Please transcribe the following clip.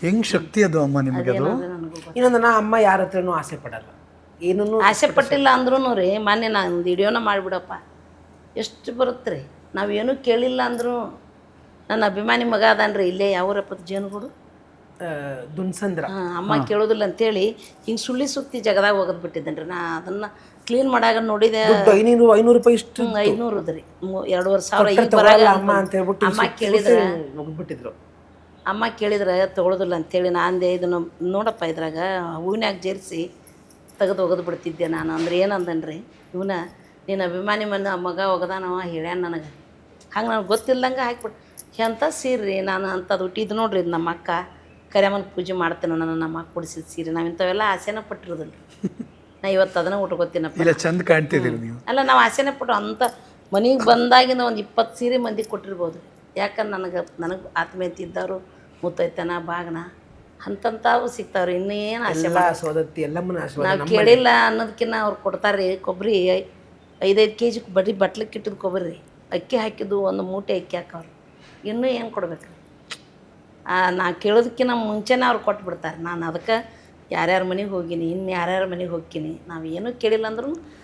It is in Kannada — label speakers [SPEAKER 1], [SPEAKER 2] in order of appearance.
[SPEAKER 1] ಹೆಂಗ್ ಶಕ್ತಿ ಅದು ಅಮ್ಮ ನಿಮಗೆ ಅದು?
[SPEAKER 2] ನನಗೂ
[SPEAKER 3] ಇನ್ನೊಂದು ನಾ ಅಮ್ಮ ಯಾರ ಹತ್ರನೂ ಆಸೆ ಪಡಲ್ಲ, ಏನೂ
[SPEAKER 2] ಆಸೆ ಪಟ್ಟಿಲ್ಲ ಅಂದ್ರೂ ರೀ ಮೊನ್ನೆ ನಾನು ಒಂದು ವಿಡಿಯೋನ ಮಾಡಿಬಿಡಪ್ಪ ಎಷ್ಟು ಬರುತ್ತೆ ರೀ. ನಾವೇನೂ ಕೇಳಿಲ್ಲ ಅಂದರೂ ನನ್ನ ಅಭಿಮಾನಿ ಮಗ ಅದಾನ್ರಿ ಇಲ್ಲೇ ಯಾವೂರಪ್ಪ ಜೇನುಗೂಡು
[SPEAKER 3] ದುನ್ಸಂದ್ರ.
[SPEAKER 2] ಅಮ್ಮ ಕೇಳೋದಿಲ್ಲ ಅಂತೇಳಿ ಹಿಂಗೆ ಸುಳ್ಳಿ ಸುತ್ತಿ ಜಗದಾಗ ಹೋಗೋದು ಬಿಟ್ಟಿದ್ದೇನೆ ರೀ. ನಾ ಅದನ್ನು ಕ್ಲೀನ್ ಮಾಡಾಗ ನೋಡಿದೆ
[SPEAKER 3] 500 ರೂಪಾಯಿ ಇಷ್ಟು
[SPEAKER 2] 500 ರೀ 2,500 ಈಗ ಬರಾಗ
[SPEAKER 3] ಅಮ್ಮ ಅಂತ ಹೇಳ್ಬಿಟ್ಟು
[SPEAKER 2] ಅಮ್ಮ ಕೇಳಿದ್ರೆ
[SPEAKER 3] ಮುಗಿದ್ಬಿಟ್ಟಿದ್ರು.
[SPEAKER 2] ಅಮ್ಮ ಕೇಳಿದ್ರೆ ತೊಗೊಳೋದಿಲ್ಲ ಅಂತೇಳಿ ನಾನು ಅಂದೆ ಇದನ್ನು ನೋಡಪ್ಪ ಇದ್ರಾಗ ಹೂವಿನಾಗ ಜೇರಿಸಿ ತೆಗೆದು ಒಗೆದು ಬಿಡ್ತಿದ್ದೆ ನಾನು. ಅಂದ್ರೆ ಏನಂದನ್ರಿ ಇವನ ನೀನು ಅಭಿಮಾನಿ ಮಗ ಒಗದಾನವ ಹೇಳ್ಯಾನ ನನಗೆ, ಹಂಗೆ ನನಗೆ ಗೊತ್ತಿಲ್ಲದಂಗೆ ಹಾಕ್ಬಿಟ್ಟು ಎಂಥ ಸೀರೆ ನಾನು ಅಂಥದ್ದು ಹುಟ್ಟಿದ್ದು ನೋಡ್ರಿ. ಇದು ನಮ್ಮ ಅಕ್ಕ ಕರಿಯಮ್ಮನ ಪೂಜೆ ಮಾಡ್ತೇನೆ ನಾನು, ನಮ್ಮ ಅಕ್ಕ ಕೊಡಿಸಿದ ಸೀರೆ. ನಾವು ಇಂಥವೆಲ್ಲ ಆಸೆನ ಪಟ್ಟಿರೋದಿಲ್ಲ. ನಾ ಇವತ್ತು ಅದನ್ನು ಉಟ್ಕೋತೀನಪ್ಪ.
[SPEAKER 1] ಇಲ್ಲ ಚಂದ ಕಾಣ್ತಿದ್ದೀರಿ ನೀವು.
[SPEAKER 2] ಅಲ್ಲ ನಾವು ಆಸೆನೇ ಪಟ್ಟು ಅಂಥ ಮನೆಗೆ ಬಂದಾಗಿಂದ ಒಂದು 20 ಸೀರೆ ಮಂದಿಗೆ ಕೊಟ್ಟಿರ್ಬೋದು. ಯಾಕಂದ್ರೆ ನನಗೆ ಆತ್ಮೀಯತೆ ಇದ್ದವರು ಮುತ್ತೈತನ ಬಾಗನ ಅಂತಂತಾವು ಸಿಗ್ತಾವ್ರಿ. ಇನ್ನೇನು ಆಸೆ
[SPEAKER 3] ಸೋದತ್ತಿ ಎಲ್ಲಮ್ಮನ ಆಶೀರ್ವಾದ.
[SPEAKER 2] ನಾವು ಕೇಳಿಲ್ಲ ಅನ್ನೋದಕ್ಕಿಂತ ಅವ್ರು ಕೊಡ್ತಾರೆ. ಕೊಬ್ಬರಿ 5-5 kg ಬರೀ ಬಟ್ಲಕ್ಕೆ ಇಟ್ಟಿದ್ದು ಕೊಬ್ಬರಿ, ಅಕ್ಕಿ ಹಾಕಿದ್ದು ಒಂದು ಮೂಟೆ ಅಕ್ಕಿ ಹಾಕವ್ರು. ಇನ್ನೂ ಏನು ಕೊಡ್ಬೇಕು? ನಾ ಕೇಳೋದಕ್ಕಿಂತ ಮುಂಚೆನೇ ಅವ್ರು ಕೊಟ್ಬಿಡ್ತಾರೆ. ನಾನು ಅದಕ್ಕೆ ಯಾರ್ಯಾರ ಮನೆಗೆ ಹೋಗೀನಿ, ಇನ್ನು ಯಾರ್ಯಾರ ಮನೆಗೆ ಹೋಗ್ತೀನಿ, ನಾವು ಏನೂ ಕೇಳಿಲ್ಲ ಅಂದ್ರೂ